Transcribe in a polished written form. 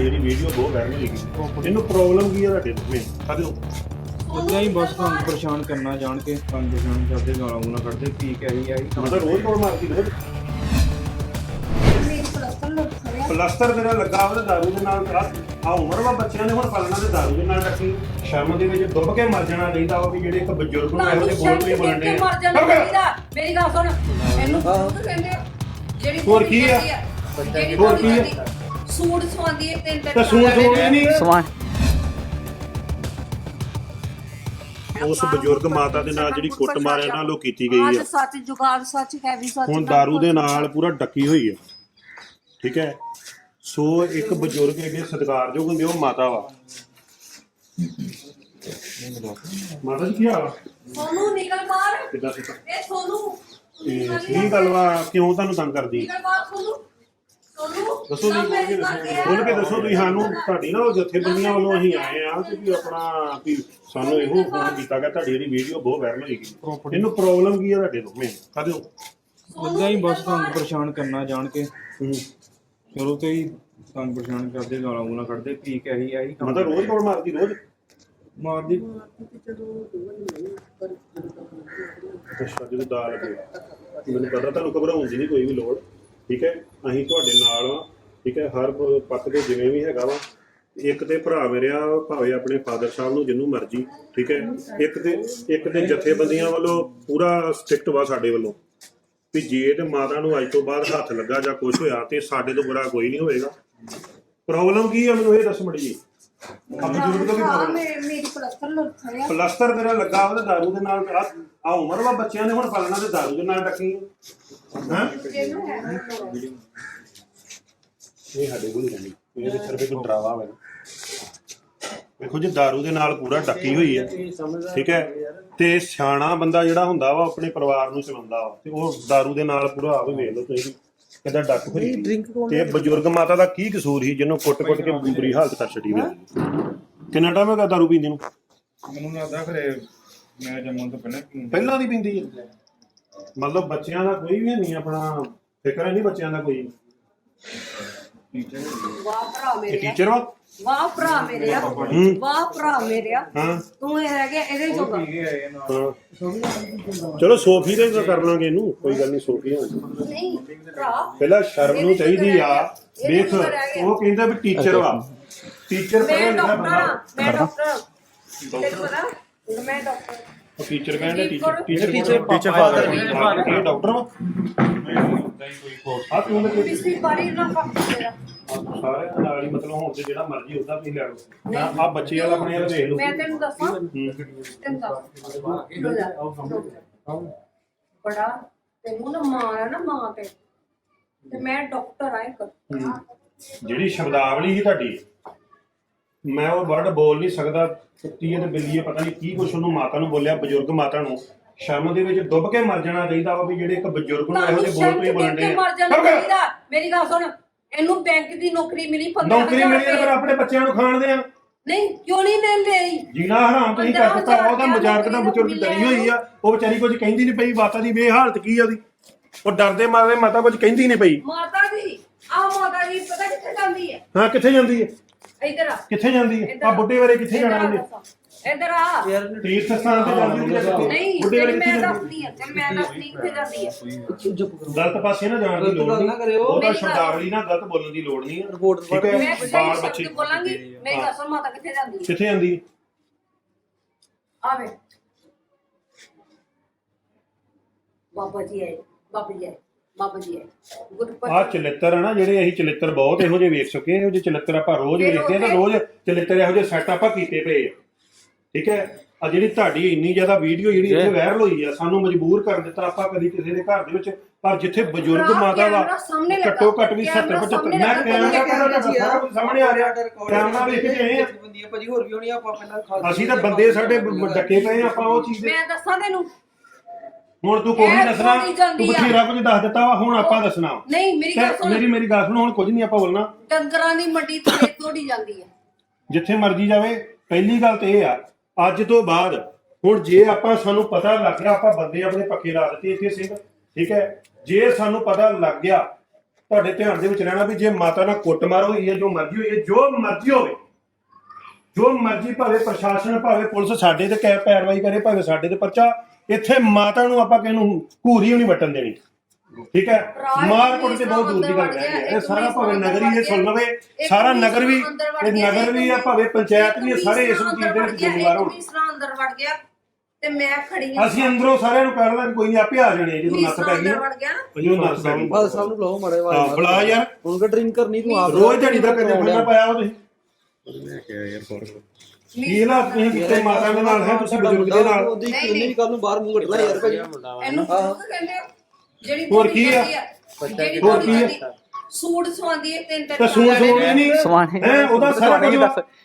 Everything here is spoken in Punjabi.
ਤੁਹਾਡੀ ਜਿਹੜੀ ਵੀਡੀਓ ਬਹੁਤ ਵਾਇਰਲ ਹੋਈ ਇਹਨੂੰ ਪ੍ਰੋਬਲਮ ਕੀ ਹੈ ਤੁਹਾਡੇ ਨੂੰ ਮੈਂ ਸਾਡੇ ਨੂੰ ਉਦਾਂ ਹੀ ਬਸ ਤੁਹਾਨੂੰ ਪਰੇਸ਼ਾਨ ਕਰਨਾ ਜਾਣ ਕੇ ਤੁਹਾਨੂੰ ਪਰੇਸ਼ਾਨ ਕਰਦੇ ਗਾਲਾਂ ਗੂਲਾਂ ਕੱਢਦੇ ਕੀ ਕਹੀ ਆਈ ਮਤਲਬ ਰੋਜ਼ ਕੋਲ ਮਾਰਦੀ ਰੋਜ਼ ਪਲਸਤਰ ਤੇਰਾ ਲੱਗਾ ਉਹਦੇ ਦਾਰੂ ਦੇ ਨਾਲ ਆ ਉਮਰ ਵਾ ਬੱਚਿਆਂ ਨੇ ਹੁਣ ਪਾਲਣਾ ਤੇ ਦਾਰੂ ਦੇ ਨਾਲ ਰੱਖੀ ਸ਼ਰਮ ਦੇ ਵਿੱਚ ਡੁੱਬ ਕੇ ਮਰ ਜਾਣਾ ਚਾਹੀਦਾ ਵਾ ਵੀ ਜਿਹੜੇ ਇੱਕ ਬਜ਼ੁਰਗ ਨੂੰ ਇਹੋ ਜਿਹੇ ਬੋਲ ਕੇ ਬੋਲਣੇ ਮੇਰੀ ਗੱਲ ਸੁਣ ਇਹਨੂੰ ਕਹਿੰਦੇ ਜਿਹੜੀ ਹੋਰ ਕੀ ਆ ਹੋਰ ਕੀ ਆ ਸੂਟ ਸਵਾਉਂਦੀ ਹੈ ਤਿੰਨ ਤੇ ਸੂਟ ਸਵਾਉਂਦੀ ਨਹੀਂ ਸਮਾਨ ਉਸ ਬਜ਼ੁਰਗ ਮਾਤਾ ਦੇ ਨਾਲ ਜਿਹੜੀ ਕੁੱਟ ਮਾਰਿਆ ਨਾਲ ਉਹ ਕੀਤੀ ਗਈ ਆ ਸੱਚ ਜੁਗਾੜ ਸੱਚ ਹੈ ਵੀ ਸੱਚ ਹੁਣ ਦਾਰੂ ਦੇ ਨਾਲ ਪੂਰਾ ਡੱਕੀ ਹੋਈ ਆ ਠੀਕ ਹੈ ਸੋ ਇੱਕ ਬਜ਼ੁਰਗ ਇਹਦੇ ਸਤਿਕਾਰਯੋਗ ਹੁੰਦੇ ਉਹ ਮਾਤਾ ਵਾ ਮਾਤਾ ਜੀ ਕੀ ਹਾਲ ਆ ਸੋਨੂੰ ਨਿਕਲ ਬਾਹਰ ਕਿੱਦਾਂ ਸਿੱਧਾ ਇਹ ਸੋਨੂੰ ਕੀ ਗੱਲ ਵਾ ਕਿਉਂ ਤੁਹਾਨੂੰ ਤੰਗ ਕਰਦੀ ਨਿਕਲ ਬਾਹਰ ਸੋਨੂੰ ਦੱਸੋ ਜੀ ਬੋਲ ਕੇ ਦੱਸੋ ਤੁਸੀਂ ਸਾਨੂੰ ਤੁਹਾਡੀ ਨਾ ਉਹ ਜਥੇਬੰਦੀਆਂ ਵੱਲੋਂ ਅਸੀਂ ਆਏ ਆ ਤੇ ਵੀ ਆਪਣਾ ਵੀ ਸਾਨੂੰ ਇਹੋ ਫੋਨ ਕੀਤਾ ਗਿਆ ਤੁਹਾਡੀ ਜਿਹੜੀ ਵੀਡੀਓ ਬਹੁਤ ਵਾਇਰਲ ਹੋਈ ਗਈ ਇਹਨੂੰ ਪ੍ਰੋਬਲਮ ਕੀ ਹੈ ਤੁਹਾਡੇ ਨੂੰ ਮੈਂ ਕਹਦੇ ਉਦਾਂ ਹੀ ਬਸ ਤੁਹਾਨੂੰ ਪਰੇਸ਼ਾਨ ਕਰਨਾ ਜਾਣ ਕੇ ਚਲੋ ਤੇ ਹੀ ਤੁਹਾਨੂੰ ਪਰੇਸ਼ਾਨ ਕਰਦੇ ਗਾਲਾਂ ਗੂਲਾਂ ਕੱਢਦੇ ਕੀ ਕਹੀ ਆਈ ਮਤਲਬ ਰੋਜ਼ ਕੋਲ ਮਾਰਦੀ ਰੋਜ਼ ਮਾਰਦੀ ਅੱਛਾ ਜਦੋਂ ਦਾ ਲੱਗੇ ਮੈਨੂੰ ਪਤਾ ਤੁਹਾਨੂੰ ਘਬਰਾਉਣ ਦੀ ਨਹੀਂ ਕੋਈ ਵੀ ਲੋੜ ਠੀਕ ਹੈ ਅਸੀਂ ਤੁਹਾਡੇ ਨਾਲ ਆ ਠੀਕ ਹੈ ਹਰ ਪੱਖ ਦੇ ਜਿਵੇਂ ਵੀ ਹੈਗਾ ਵਾ ਇੱਕ ਤੇ ਭਰਾ ਮੇਰਿਆ ਭਾਵੇਂ ਆਪਣੇ ਫਾਦਰ ਸਾਹਿਬ ਨੂੰ ਜਿੰਨੂੰ ਮਰਜੀ ਠੀਕ ਹੈ ਇੱਕ ਤੇ ਜਥੇਬੰਦੀਆਂ ਵੱਲੋਂ ਪੂਰਾ ਸਟ੍ਰਿਕਟ ਵਾ ਸਾਡੇ ਵੱਲੋਂ ਵੀ ਜੇ ਤੇ ਮਾਤਾ ਨੂੰ ਅੱਜ ਤੋਂ ਬਾਅਦ ਹੱਥ ਲੱਗਾ ਜਾਂ ਕੁਝ ਹੋਇਆ ਤੇ ਸਾਡੇ ਤੋਂ ਬੁਰਾ ਕੋਈ ਨਹੀਂ ਹੋਏਗਾ ਪ੍ਰੋਬਲਮ ਕੀ ਆ ਮੈਨੂੰ ਇਹ ਦੱਸ ਮੜੀ ਜੀ ਮੇਰੀ ਪਲਸਤਰ ਤੇਰਾ ਲੱਗਾ ਉਹਦੇ ਦਾਰੂ ਦੇ ਨਾਲ ਆ ਉਮਰ ਵਾ ਬੱਚਿਆਂ ਨੇ ਹੁਣ ਪਾਲਣਾ ਤੇ ਦਾਰੂ ਦੇ ਨਾਲ ਰੱਖੀ ਹੈ ਇਹ ਸਾਡੇ ਕੋਲ ਨਹੀਂ ਰਹਿੰਦੀ ਇਹਦੇ ਸਿਰਫ ਇੱਕ ਡਰਾਵਾ ਹੋਵੇ ਦੇਖੋ ਜੀ ਦਾਰੂ ਦੇ ਨਾਲ ਪੂਰਾ ਡੱਕੀ ਹੋਈ ਹੈ ਠੀਕ ਹੈ ਤੇ ਸਿਆਣਾ ਬੰਦਾ ਜਿਹੜਾ ਹੁੰਦਾ ਵਾ ਆਪਣੇ ਪਰਿਵਾਰ ਨੂੰ ਚਲਾਉਂਦਾ ਵਾ ਤੇ ਉਹ ਦਾਰੂ ਦੇ ਨਾਲ ਪੂਰਾ ਆਪ ਵੇਖ ਲਓ ਤੁਸੀਂ ਕਿੱਦਾਂ ਡੱਕ ਹੋਈ ਤੇ ਬਜ਼ੁਰਗ ਮਾਤਾ ਦਾ ਕੀ ਕਸੂਰ ਸੀ ਜਿਹਨੂੰ ਕੁੱਟ-ਕੁੱਟ ਕੇ ਬੁਰੀ ਹਾਲਤ ਕਰ ਛੱਡੀ ਵੇ ਕਿੰਨਾ ਟਾਈਮ ਹੋ ਗਿਆ ਦਾਰੂ ਪੀਂਦੇ ਨੂੰ ਮੈਨੂੰ ਲੱਗਦਾ ਖਰੇ ਮੈਂ ਜੰਮਣ ਤੋਂ ਪਹਿਲਾਂ ਦੀ ਪੀਂਦੀ ਹੈ ਮਤਲਬ ਬੱਚਿਆਂ ਦਾ ਕੋਈ ਵੀ ਨਹੀਂ ਆਪਣਾ ਫਿਕਰ ਨਹੀਂ ਬੱਚਿਆਂ ਦਾ ਕੋਈ ਵਾਹ ਭਰਾ ਮੇਰੇ ਟੀਚਰ ਵਾ ਵਾਹ ਭਰਾ ਮੇਰੇ ਵਾਹ ਭਰਾ ਮੇਰੇ ਹਾਂ ਤੂੰ ਇਹ ਰਹਿ ਗਿਆ ਇਹਦੇ ਜੋਗਾ ਚਲੋ ਸੋਫੀ ਦੇ ਕਰ ਲਾਂਗੇ ਇਹਨੂੰ ਕੋਈ ਗੱਲ ਨਹੀਂ ਸੋਫੀ ਨਹੀਂ ਭਰਾ ਪਹਿਲਾਂ ਸ਼ਰਮ ਨੂੰ ਚਾਹੀਦੀ ਆ ਦੇਖ ਉਹ ਕਹਿੰਦਾ ਵੀ ਟੀਚਰ ਵਾ ਟੀਚਰ ਮੈਂ ਡਾਕਟਰ ਤੈਨੂੰ ਪਤਾ ਮੈਂ ਡਾਕਟਰ ਉਹ ਟੀਚਰ ਕਹਿੰਦਾ ਟੀਚਰ ਫਾਦਰ ਇਹ ਡਾਕਟਰ ਵਾ ਆ ਤੂੰ ਤੇ ਪਿਛਲੀ ਵਾਰੀ ਨਾ ਫੱਕ ਤੇਰਾ ਸਾਰੇ ਨਾਲ ਹੀ ਮਤਲਬ ਹੁਣ ਤੇ ਜਿਹੜਾ ਮਰਜ਼ੀ ਉਦਾਂ ਤੁਸੀਂ ਲੈ ਲਓ ਆ ਬੱਚੇ ਵਾਲਾ ਆਪਣੇ ਵਾਲਾ ਦੇਖ ਲਓ ਮੈਂ ਤੈਨੂੰ ਦੱਸਾਂ ਬੜਾ ਤੈਨੂੰ ਨਾ ਮਾਂ ਆ ਨਾ ਮਾਂ ਤੇ ਮੈਂ ਡਾਕਟਰ ਆ ਇੱਕ ਜਿਹੜੀ ਸ਼ਬਦਾਵਲੀ ਸੀ ਤੁਹਾਡੀ ਮੈਂ ਉਹ ਵਰਡ ਬੋਲ ਨਹੀਂ ਸਕਦਾ ਕੁੱਤੀ ਤੇ ਬਿੱਲੀ ਪਤਾ ਨਹੀਂ ਕੀ ਕੁਛ ਉਹਨੂੰ ਮਾਤਾ ਨੂੰ ਬੋਲਿਆ ਬਜ਼ੁਰਗ ਮਾਤਾ ਨੂੰ ਸ਼ਰਮ ਦੇ ਵਿੱਚ ਡੁੱਬ ਕੇ ਮਰ ਜਾਣਾ ਚਾਹੀਦਾ ਵਾ ਵੀ ਜਿਹੜੇ ਇੱਕ ਬਜ਼ੁਰਗ ਨੂੰ ਇਹੋ ਜਿਹੇ ਬੋਲ ਤੋਂ ਬੋਲਣੇ ਆ ਮੇਰੀ ਗੱਲ ਸੁਣ ਇਹਨੂੰ ਬੈਂਕ ਦੀ ਨੌਕਰੀ ਮਿਲੀ 15,000 ਨੌਕਰੀ ਮਿਲੀ ਤੇ ਫਿਰ ਆਪਣੇ ਬੱਚਿਆਂ ਨੂੰ ਖਾਣ ਦੇ ਆ ਨਹੀਂ ਕਿਉਂ ਨਹੀਂ ਲੈ ਲਈ ਜੀਣਾ ਹਰਾਮ ਤੁਸੀਂ ਕਰ ਦਿੱਤਾ ਉਹਦਾ ਮਜ਼ਾਕ ਦਾ ਬਜ਼ੁਰਗ ਡਰੀ ਹੋਈ ਆ ਉਹ ਵਿਚਾਰੀ ਕੁਝ ਕਹਿੰਦੀ ਨਹੀਂ ਪਈ ਮਾਤਾ ਦੀ ਹਾਲਤ ਕੀ ਆ ਉਹਦੀ ਉਹ ਡਰਦੇ ਮਾਰੇ ਮਾਤਾ ਕੁਝ ਕਹਿੰਦੀ ਨਹੀਂ ਪਈ ਮਾਤਾ ਦੀ ਮਾਤਾ ਦੀ ਪਤਾ ਕਿੱਥੇ ਜਾਂਦੀ ਹੈ ਹਾਂ ਕਿੱਥੇ ਜਾਂਦੀ ਹੈ ਇੱਧਰ ਆ ਕਿੱਥੇ ਜਾਂਦੀ ਹੈ ਆ ਬੁੱਢੇ ਵਾਲੇ ਕਿੱਥੇ ਜਾਣਾ ਉਹਨੇ ਇੱਧਰ ਆ ਤੀਰਥ ਸਥਾਨ ਤੇ ਜਾਂਦੀ ਹੈ ਨਹੀਂ ਬੁੱਢੇ ਵਾਲੇ ਮੈਂ ਕਿੱਥੇ ਦੱਸਦੀ ਆ ਤੇ ਮੈਂ ਦੱਸਦੀ ਕਿੱਥੇ ਜਾਂਦੀ ਹੈ ਗਲਤ ਪਾਸੇ ਨਾ ਜਾਣ ਦੀ ਲੋੜ ਨਹੀਂ ਉਹਦਾ ਸ਼ਬਦਾਵਲੀ ਨਾਲ ਗਲਤ ਬੋਲਣ ਦੀ ਲੋੜ ਨਹੀਂ ਠੀਕ ਹੈ ਮੈਂ ਬਾਲ ਸਹੀ ਬੱਚੇ ਸ਼ਬਦ ਬੋਲਾਂਗੀ ਮੇਰੀ ਗੱਲ ਸੁਣ ਮਾਤਾ ਕਿੱਥੇ ਜਾਂਦੀ ਹੈ ਕਿੱਥੇ ਜਾਂਦੀ ਆਵੇ ਬਾਬਾ ਜੀ ਆਏ ਬਾਬਾ ਜੀ ਆਏ ਬਾਬਾ ਜੀ ਆਏ ਗੁਰਪਤ ਆ ਚਲਿੱਤਰ ਹੈ ਨਾ ਜਿਹੜੇ ਅਸੀਂ ਚਲਿੱਤਰ ਬਹੁਤ ਇਹੋ ਜਿਹੇ ਵੇਖ ਚੁੱਕੇ ਇਹੋ ਜਿਹੇ ਚਲਿੱਤਰ ਆਪਾਂ ਰੋਜ਼ ਵੇਖਦੇ ਆ ਤੇ ਰੋਜ਼ ਚਲਿੱਤਰ ਇਹੋ ਜਿਹੇ ਸੈੱਟ ਆਪਾਂ ਕੀਤੇ ਪਏ ਆ ਠੀਕ ਹੈ ਆ ਜਿਹੜੀ ਤੁਹਾਡੀ ਇੰਨੀ ਜ਼ਿਆਦਾ ਵੀਡੀਓ ਜਿਹੜੀ ਇੱਥੇ ਵਾਇਰਲ ਹੋਈ ਆ ਸਾਨੂੰ ਮਜਬੂਰ ਕਰ ਦਿੱਤਾ ਆਪਾਂ ਕਦੀ ਕਿਸੇ ਦੇ ਘਰ ਦੇ ਵਿੱਚ ਪਰ ਜਿੱਥੇ ਬਜ਼ੁਰਗ ਮਾਤਾ ਵਾ ਘੱਟੋ ਘੱਟ ਵੀ 70 75 ਮੈਂ ਕੈਮਰਾ ਸਾਹਮਣੇ ਆ ਰਿਹਾ ਕੈਮਰਾ ਵੇਖ ਕੇ ਆਏ ਆ ਭਾਜੀ ਹੋਰ ਵੀ ਹੋਣੀ ਆਪਾਂ ਪਹਿਲਾਂ ਅਸੀਂ ਤਾਂ ਬੰਦੇ ਸਾਡੇ ਡੱਕੇ ਪਏ ਆਪਾਂ ਉਹ ਚੀਜ਼ ਮੈਂ ਦੱਸਾਂ ਤੈਨੂੰ ਹੁਣ ਤੂੰ ਕੋਈ ਨਹੀਂ ਦੱਸਣਾ ਤੂੰ ਬਥੇਰਾ ਕੁਝ ਦੱਸ ਦਿੱਤਾ ਵਾ ਹੁਣ ਆਪਾਂ ਦੱਸਣਾ ਨਹੀਂ ਮੇਰੀ ਗੱਲ ਸੁਣ ਮੇਰੀ ਗੱਲ ਸੁਣ ਹੁਣ ਕੁਝ ਨਹੀਂ ਆਪਾਂ ਬੋਲਣਾ ਡੰਗਰਾਂ ਦੀ ਮੰਡੀ ਤੇ ਤੋੜੀ ਜਾਂਦੀ ਹੈ ਜਿੱਥੇ ਮਰਜ਼ੀ ਜਾਵੇ ਪਹਿਲੀ ਗੱਲ ਤੇ ਇਹ ਆ ਅੱਜ ਤੋਂ ਬਾਅਦ ਹੁਣ ਜੇ ਆਪਾਂ ਸਾਨੂੰ ਪਤਾ ਲੱਗ ਗਿਆ ਆਪਾਂ ਬੰਦੇ ਆਪਣੇ ਪੱਕੇ ਲਾ ਦਿੱਤੇ ਇੱਥੇ ਸਿੰਘ ਠੀਕ ਹੈ ਜੇ ਸਾਨੂੰ ਪਤਾ ਲੱਗ ਗਿਆ ਤੁਹਾਡੇ ਧਿਆਨ ਦੇ ਵਿੱਚ ਰਹਿਣਾ ਵੀ ਜੇ ਮਾਤਾ ਨਾਲ ਕੁੱਟਮਾਰ ਹੋਈ ਹੈ, ਜੋ ਮਰਜ਼ੀ ਹੋਈ ਹੈ, ਜੋ ਮਰਜ਼ੀ ਹੋਵੇ, ਜੋ ਮਰਜ਼ੀ ਭਾਵੇਂ ਪ੍ਰਸ਼ਾਸਨ ਭਾਵੇਂ ਪੁਲਿਸ ਸਾਡੇ ਤੇ ਪੈਰਵਾਈ ਕਰੇ, ਭਾਵੇਂ ਸਾਡੇ ਤੇ ਪਰਚਾ, ਇੱਥੇ ਮਾਤਾ ਨੂੰ ਆਪਾਂ ਕਿਸੇ ਨੂੰ ਘੂਰੀ ਵੀ ਨਹੀਂ ਵੱਟਣ ਦੇਣੀ। ਠੀਕ ਹੈ, ਮਾਰ ਕੁੱਟ ਤੇ ਬਹੁਤ ਦੂਰ ਦੀ ਗੱਲ ਰਹਿ ਗਈ। ਇਹ ਸਾਰਾ ਭਾਵੇਂ ਨਗਰ ਹੀ ਇਹ ਸੁਣ ਲਵੇ, ਸਾਰਾ ਨਗਰ ਵੀ, ਇਹ ਨਗਰ ਵੀ ਆ, ਭਾਵੇਂ ਪੰਚਾਇਤ ਵੀ, ਸਾਰੇ ਇਸ ਚੀਜ਼ ਦੇ ਵਿੱਚ ਜ਼ਿੰਮੇਵਾਰ ਹੋਣ। ਅੰਦਰ ਵੜ ਗਿਆ ਤੇ ਮੈਂ ਖੜੀ ਹਾਂ, ਅਸੀਂ ਅੰਦਰੋਂ ਸਾਰਿਆਂ ਨੂੰ ਕਹਿ ਦਾਂਗੇ ਕੋਈ ਨਹੀਂ, ਆਪੇ ਆ ਜਾਣੇ ਜਦੋਂ ਨੱਥ ਪੈ ਗਈ ਅੰਦਰ ਵੜ ਗਿਆ ਨਾ। ਜਦੋਂ ਨੱਥ ਪੈ ਗਈ ਬਾਦ ਸਾਹਿਬ ਨੂੰ ਬੁਲਾਓ ਮਾੜੇ ਹਾਂ ਬੁਲਾ ਯਾਰ, ਹੁਣ ਕਿ ਡਰਿੰਕ ਕਰਨੀ ਤੂੰ ਆਪ ਰੋਜ਼ ਦਿਹਾੜੀ ਦਾ ਕਦੇ ਬੰਦਾ ਪਾਇਆ ਉਹ ਤੁਸੀਂ ਕੀ ਨਾ ਤੁਸੀਂ ਕਿਤੇ ਮਾਤਾ ਦੇ ਨਾਲ ਹੈ, ਤੁਸੀਂ ਬਜ਼ੁਰਗ ਦੇ ਨਾਲ ਉਹਦੀ ਕਿੰਨੀ ਵੀ ਕੱਲ ਨੂੰ ਬਾਹਰ ਮੂੰਹ ਕੱਢਣਾ ਯਾਰ ਭਾਈ। ਇਹਨੂੰ ਕਹਿੰਦੇ ਆ ਜਿਹੜੀ ਹੋਰ ਕੀ ਆ? ਜਿਹੜੀ ਹੋਰ ਕੀ ਆ? ਸੂਟ ਸਵਾਉਂਦੀ ਹੈ ਤਿੰਨ ਤੇ ਸੂਟ ਸੂਟ ਨਹੀਂ ਹੈ ਉਹਦਾ ਸਾਰਾ ਕੁਝ